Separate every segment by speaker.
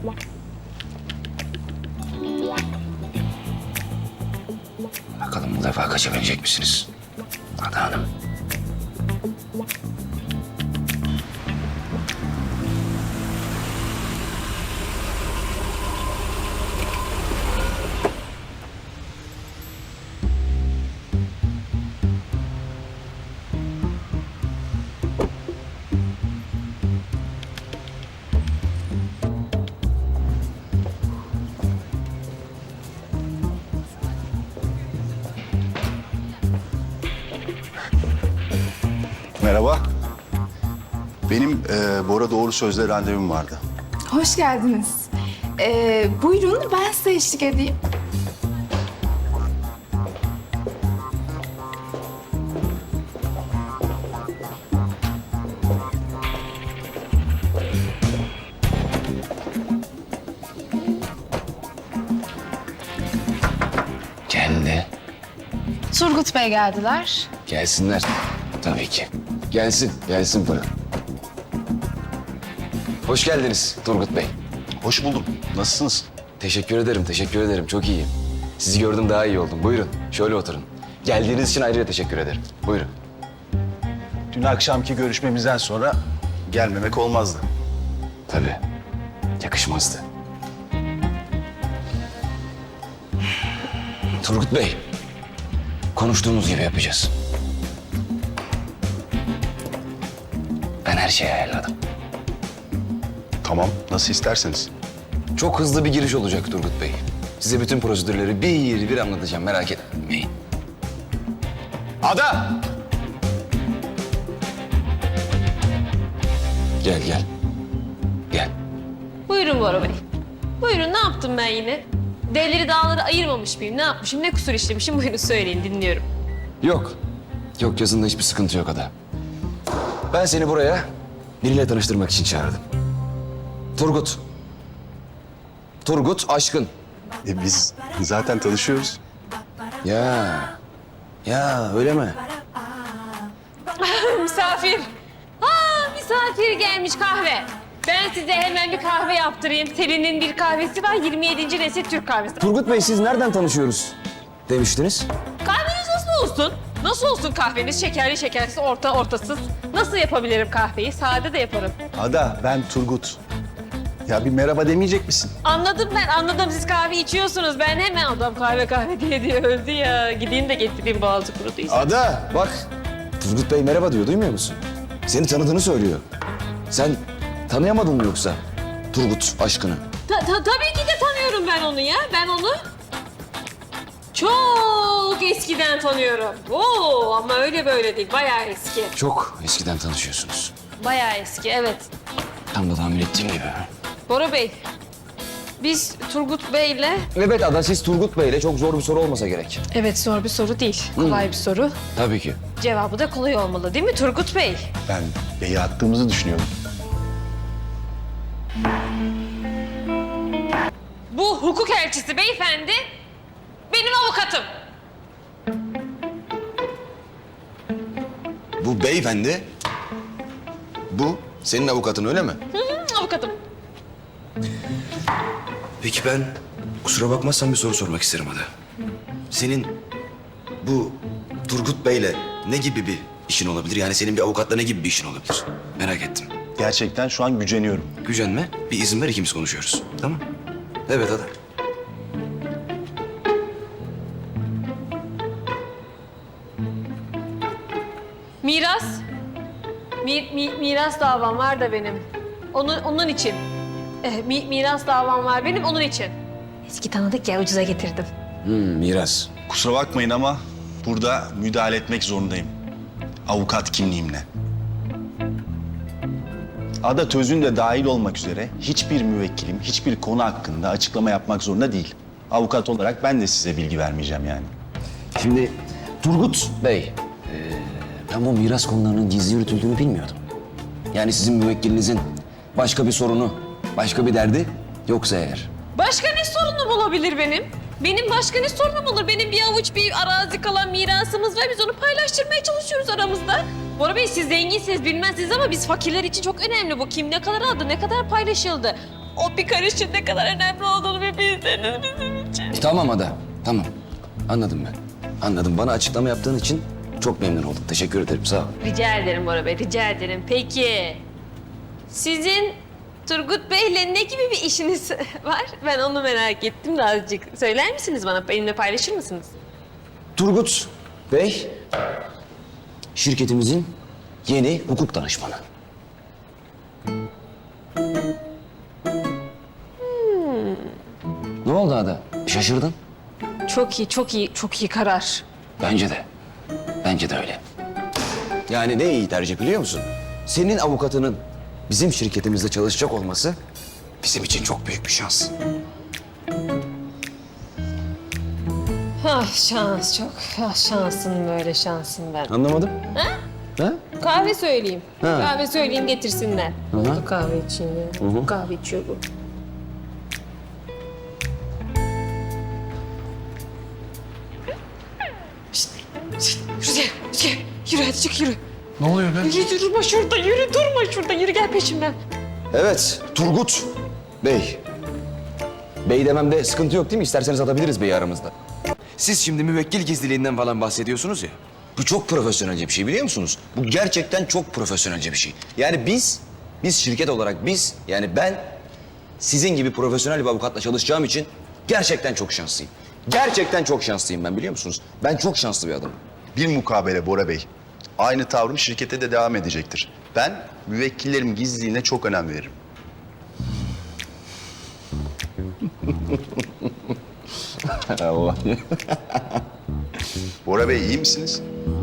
Speaker 1: Bakalım bu defa kaçabilecek misiniz Ada Hanım?
Speaker 2: Merhaba. Benim Bora Doğru Söz'le randevum vardı.
Speaker 3: Hoş geldiniz. Buyurun ben size eşlik edeyim.
Speaker 1: Geldi.
Speaker 3: Turgut Bey geldiler.
Speaker 1: Gelsinler. Tabii ki. Gelsin, gelsin Bora. Hoş geldiniz Turgut Bey.
Speaker 2: Hoş buldum. Nasılsınız?
Speaker 1: Teşekkür ederim, teşekkür ederim. Çok iyiyim. Sizi gördüm daha iyi oldum. Buyurun, şöyle oturun. Geldiğiniz için ayrıca teşekkür ederim. Buyurun.
Speaker 2: Dün akşamki görüşmemizden sonra gelmemek olmazdı.
Speaker 1: Tabii. Yakışmazdı. Turgut Bey, konuştuğumuz gibi yapacağız. Ben her şeyi ayarladım.
Speaker 2: Tamam, nasıl isterseniz.
Speaker 1: Çok hızlı bir giriş olacak Turgut Bey. Size bütün prosedürleri bir bir anlatacağım, merak etmeyin. Ada! Gel, gel. Gel.
Speaker 4: Buyurun Bora Bey. Buyurun, ne yaptım ben yine? Devleri dağları ayırmamış mıyım? Ne yapmışım? Ne kusur işlemişim? Buyurun söyleyin, dinliyorum.
Speaker 1: Yok. Yok, yazında hiçbir sıkıntı yok Ada. Ben seni buraya biriyle tanıştırmak için çağırdım. Turgut. Turgut Aşkın.
Speaker 2: Biz zaten tanışıyoruz.
Speaker 1: Ya öyle mi?
Speaker 4: Misafir. Misafir gelmiş kahve. Ben size hemen bir kahve yaptırayım. Selin'in bir kahvesi var, 27. nesil Türk kahvesi.
Speaker 1: Turgut Bey siz nereden tanışıyoruz demiştiniz?
Speaker 4: Kahveniz nasıl olsun? Nasıl olsun kahveniz? Şekerli şekersiz, ortasız. Nasıl yapabilirim kahveyi? Sade de yaparım.
Speaker 2: Ada, ben Turgut. Ya bir merhaba demeyecek misin?
Speaker 4: Anladım ben, anladım. Siz kahve içiyorsunuz. Ben hemen adam kahve diye öldü ya. Gideyim de getireyim, boğazı kuruduysa.
Speaker 1: Ada bak. Turgut Bey merhaba diyor, duymuyor musun? Seni tanıdığını söylüyor. Sen tanıyamadın mı yoksa Turgut Aşkın'ı?
Speaker 4: Tabii ki de tanıyorum ben onu ya. Ben onu çok eskiden tanıyorum. Oo, ama öyle böyle değil. Bayağı eski.
Speaker 1: Çok eskiden tanışıyorsunuz.
Speaker 4: Bayağı eski, evet.
Speaker 1: Tam da tahmin ettiğim gibi.
Speaker 4: Bora Bey, biz Turgut Bey'le...
Speaker 1: Evet Ada, siz Turgut Bey'le çok zor bir soru olmasa gerek.
Speaker 4: Evet, zor bir soru değil. Kolay bir soru.
Speaker 1: Tabii ki.
Speaker 4: Cevabı da kolay olmalı değil mi Turgut Bey?
Speaker 2: Ben beyi attığımızı düşünüyorum.
Speaker 4: Bu hukuk elçisi beyefendi benim avukatım.
Speaker 1: Bu beyefendi, bu senin avukatın öyle mi?
Speaker 4: Avukatım.
Speaker 1: Peki ben kusura bakmazsan bir soru sormak isterim Ada. Senin bu Turgut Bey'le ne gibi bir işin olabilir? Yani senin bir avukatla ne gibi bir işin olabilir? Merak ettim.
Speaker 2: Gerçekten şu an güceniyorum.
Speaker 1: Gücenme, bir izin ver ikimiz konuşuyoruz. Tamam? Evet Ada.
Speaker 4: Miras. Miras davam var da benim. Onun için. Miras davam var benim, onun için. Eski tanıdık ya, ucuza getirdim.
Speaker 1: Miras.
Speaker 2: Kusura bakmayın ama burada müdahale etmek zorundayım. Avukat kimliğimle. Ada Tözün de dahil olmak üzere hiçbir müvekkilim hiçbir konu hakkında açıklama yapmak zorunda değil. Avukat olarak ben de size bilgi vermeyeceğim yani.
Speaker 1: Şimdi Turgut Bey, ben bu miras konularının gizli yürütüldüğünü bilmiyordum. Yani sizin müvekkilinizin başka bir sorunu, başka bir derdi yoksa eğer.
Speaker 4: Başka ne sorunum olabilir benim? Benim başka ne sorunum olur? Benim bir avuç bir arazi kalan mirasımız var. Biz onu paylaştırmaya çalışıyoruz aramızda. Bora Bey, siz zenginsiniz bilmezsiniz ama biz fakirler için çok önemli bu. Kim ne kadar aldı, ne kadar paylaşıldı. o bir karışın ne kadar önemli olduğunu bir bilseniz bizim için.
Speaker 1: Tamam Ada, tamam. Anladım ben. Anladım. Bana açıklama yaptığın için çok memnun oldum. Teşekkür ederim, sağ ol.
Speaker 4: Rica ederim Bora Bey, rica ederim. Peki, sizin Turgut Bey'le ne gibi bir işiniz var? Ben onu merak ettim de azıcık. Söyler misiniz bana? Benimle paylaşır mısınız?
Speaker 1: Turgut Bey, şirketimizin yeni hukuk danışmanı. Ne oldu Ada? Şaşırdın?
Speaker 4: Çok iyi, çok iyi, çok iyi karar.
Speaker 1: Bence de. Bence de öyle. Yani ne iyi tercih biliyor musun? Senin avukatının bizim şirketimizde çalışacak olması bizim için çok büyük bir şans.
Speaker 4: Ah şans çok. Ah şansın böyle şansın ben.
Speaker 1: Anlamadım. Ha?
Speaker 4: Kahve söyleyeyim.
Speaker 1: Ha.
Speaker 4: Kahve söyleyeyim getirsinler.
Speaker 1: hı.
Speaker 4: Kahve için ya. Kahve içiyor bu. Yürü hadi çık yürü.
Speaker 5: Ne oluyor be?
Speaker 4: Yürü durma şurada yürü durma şurada yürü gel peşimden.
Speaker 1: Evet, Turgut Bey. Bey dememde sıkıntı yok değil mi? İsterseniz atabiliriz beyi aramızda. Siz şimdi müvekkil gizliliğinden falan bahsediyorsunuz ya. Bu çok profesyonelce bir şey biliyor musunuz? Bu gerçekten çok profesyonelce bir şey. Yani biz şirket olarak yani ben sizin gibi profesyonel bir avukatla çalışacağım için gerçekten çok şanslıyım. Gerçekten çok şanslıyım ben biliyor musunuz? Ben çok şanslı bir adamım.
Speaker 2: Bilmukabele Bora Bey. Aynı tavrım şirkete de devam edecektir. Ben müvekkillerim gizliliğine çok önem veririm.
Speaker 1: Allah.
Speaker 2: Bora Bey iyi misiniz?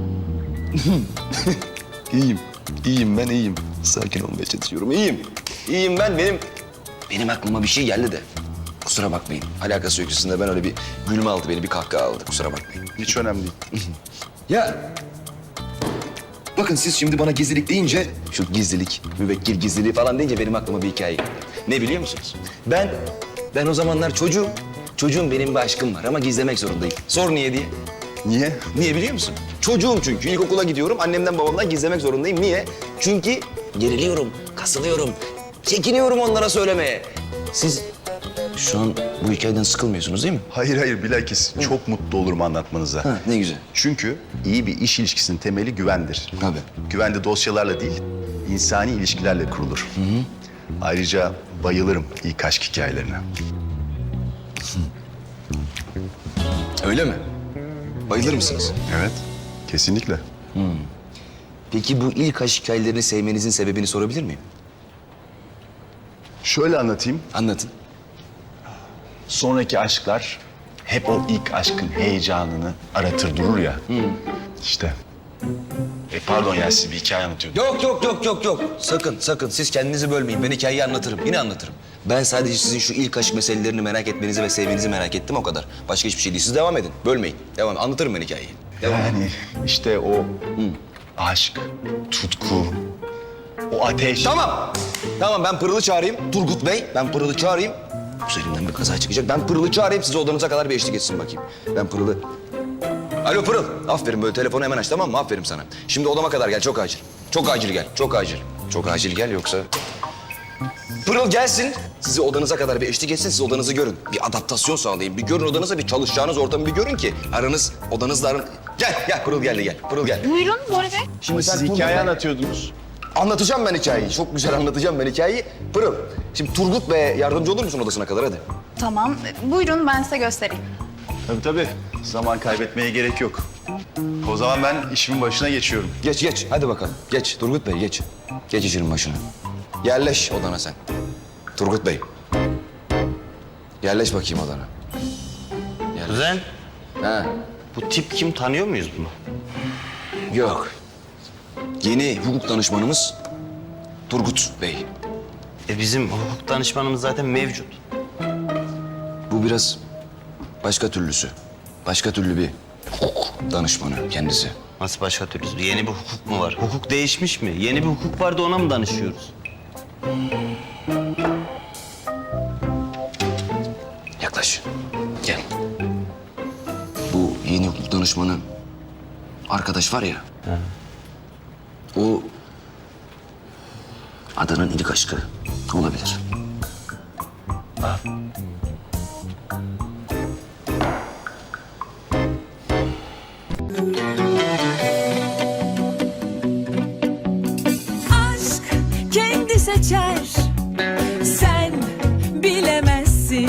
Speaker 2: İyiyim ben iyiyim. Sakin olmaya çalışıyorum.
Speaker 1: İyiyim ben. Benim aklıma bir şey geldi de. Kusura bakmayın. Alakası yok üstünde. Ben öyle bir gülme aldı beni, bir kahkaha aldı. Kusura bakmayın.
Speaker 2: Hiç önemli değil.
Speaker 1: Ya bakın siz şimdi bana gizlilik deyince, şu gizlilik, müvekkil gizliliği falan deyince benim aklıma bir hikaye geldi. Ne biliyor musunuz? Ben o zamanlar çocuğum. Çocuğum benim bir aşkım var ama gizlemek zorundayım. Sor niye diye.
Speaker 2: Niye?
Speaker 1: Niye biliyor musun? Çocuğum çünkü. İlkokula gidiyorum. Annemden babamdan gizlemek zorundayım. Niye? Çünkü geriliyorum, kasılıyorum. Çekiniyorum onlara söylemeye. Siz şu an bu hikayeden sıkılmıyorsunuz değil mi?
Speaker 2: Hayır bilakis çok mutlu olurum anlatmanıza.
Speaker 1: Ha, ne güzel.
Speaker 2: Çünkü iyi bir iş ilişkisinin temeli güvendir.
Speaker 1: Tabii.
Speaker 2: Güven de dosyalarla değil, insani ilişkilerle kurulur. Ayrıca bayılırım ilk aşk hikayelerine.
Speaker 1: Öyle mi? Bayılır mısınız?
Speaker 2: Evet, kesinlikle.
Speaker 1: Peki bu ilk aşk hikayelerini sevmenizin sebebini sorabilir miyim?
Speaker 2: Şöyle anlatayım.
Speaker 1: Anlatın.
Speaker 2: Sonraki aşklar hep o ilk aşkın heyecanını aratır durur ya. İşte. Pardon ya siz bir hikaye anlatıyordunuz.
Speaker 1: Yok. Sakın. Siz kendinizi bölmeyin. Ben hikayeyi anlatırım. Yine anlatırım. Ben sadece sizin şu ilk aşk meselelerini merak etmenizi ve sevmenizi merak ettim o kadar. Başka hiçbir şey değil. Siz devam edin. Bölmeyin. Devam. Anlatırım ben hikayeyi. Devam.
Speaker 2: Yani işte o aşk, tutku, o ateş.
Speaker 1: Tamam ben Pırıl'ı çağırayım. Turgut Bey, ben Pırıl'ı çağırayım. Üzerimden bir kaza çıkacak. Ben Pırıl'ı çağırayım. Size odanıza kadar bir eşlik etsin bakayım. Ben Pırıl'ı... Alo Pırıl. Aferin böyle telefonu hemen aç tamam mı? Aferin sana. Şimdi odama kadar gel. Çok acil. Çok acil gel. Çok acil. Çok acil gel yoksa... Pırıl gelsin. Sizi odanıza kadar bir eşlik etsin. Siz odanızı görün. Bir adaptasyon sağlayın. Bir görün odanıza, bir çalışacağınız ortamı bir görün ki odanızla Gel Pırıl geldi gel. Pırıl gel.
Speaker 3: Buyurun Bora Bey.
Speaker 1: Şimdi
Speaker 2: Siz
Speaker 1: Turgut
Speaker 2: hikaye
Speaker 1: Bey-
Speaker 2: anlatıyordunuz.
Speaker 1: Anlatacağım ben hikayeyi. Çok güzel anlatacağım ben hikayeyi. Pırıl, şimdi Turgut Bey'e yardımcı olur musun odasına kadar hadi?
Speaker 3: Tamam. Buyurun ben size göstereyim.
Speaker 2: Tabii. Zaman kaybetmeye gerek yok. O zaman ben işimin başına geçiyorum.
Speaker 1: Geç. Hadi bakalım. Geç Turgut Bey geç. Geç işinin başına. Yerleş odana sen. Turgut Bey. Yerleş bakayım odana. Yerleş.
Speaker 6: Kuzen,
Speaker 1: Ha,
Speaker 6: bu tip kim, tanıyor muyuz bunu?
Speaker 1: yok. Yeni hukuk danışmanımız Turgut Bey.
Speaker 6: Bizim hukuk danışmanımız zaten mevcut.
Speaker 1: Bu biraz başka türlüsü. Başka türlü bir hukuk danışmanı kendisi.
Speaker 6: Nasıl başka türlüsü? Yeni bir hukuk mu var? Hukuk değişmiş mi? Yeni bir hukuk var da ona mı danışıyoruz?
Speaker 1: Yaklaş. Gel. Bu yeni hukuk danışmanı arkadaş var ya. O Adanın ilk aşkı olabilir.